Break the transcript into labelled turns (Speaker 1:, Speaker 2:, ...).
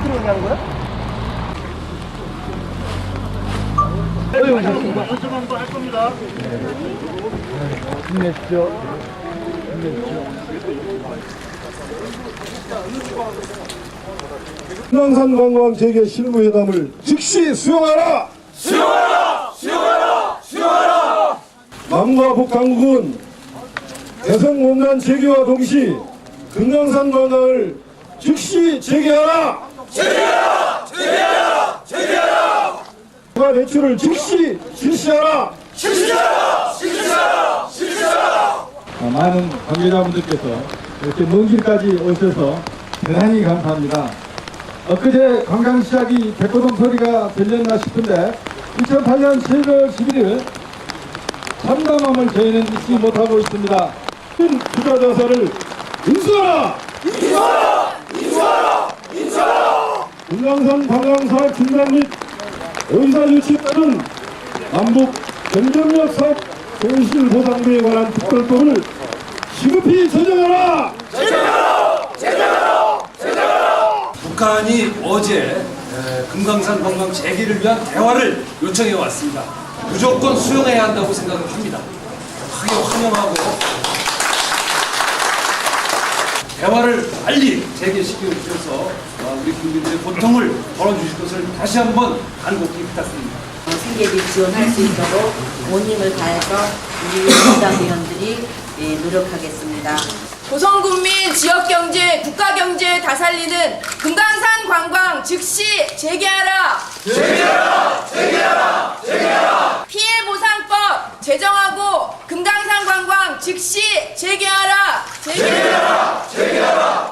Speaker 1: 끝으로 그냥 거야?
Speaker 2: 한번 할 겁니다.
Speaker 1: 힘내십시오. 힘내십시오.
Speaker 3: 금강산 관광 재개 실무회담을 즉시 수용하라!
Speaker 4: 수용하라! 수용하라! 수용하라!
Speaker 3: 남과 북한국은 대성공단 재개와 동시 금강산 관광을 즉시 재개하라!
Speaker 4: 재개하라! 재개하라! 재개하라!
Speaker 3: 추가 대출을 즉시 실시하라!
Speaker 4: 실시하라! 실시하라! 실시하라!
Speaker 5: 많은 관계자분들께서 이렇게 먼 길까지 오셔서 대단히 감사합니다. 엊그제 관광 시작이 백고동 소리가 들렸나 싶은데 2008년 7월 11일 참담함을 저희는 잊지 못하고 있습니다.
Speaker 3: 투자 자산을 인수하라!
Speaker 4: 인수하라! 인수하라! 인수하라!
Speaker 3: 금강산 관광사업 중단 및 의사 유치 따른 남북 경쟁력 사업 손실 보상비에 관한 특별법을 시급히 제정하라!
Speaker 4: 제정하라! 제정하라! 제정하라!
Speaker 6: 북한이 어제 금강산 관광 재개를 위한 대화를 요청해 왔습니다. 무조건 수용해야 한다고 생각을 합니다. 크게 환영하고 대화를 빨리 재개시켜 주셔서 우리 국민들의 고통을 덜어주실 것을 다시 한번 간곡히 부탁드립니다.
Speaker 7: 생계비 지원할 수 있도록 온 힘을 다해서 우리 민주당의원들이 노력하겠습니다.
Speaker 8: 조선국민 지역경제, 국가경제 다 살리는 금강산 관광 즉시 재개하라!
Speaker 4: 재개하라! 재개하라! 재개하라!
Speaker 8: 피해보상법 제정하고 금강산 관광 즉시 재개하라!
Speaker 4: 재개하라! 재개하라!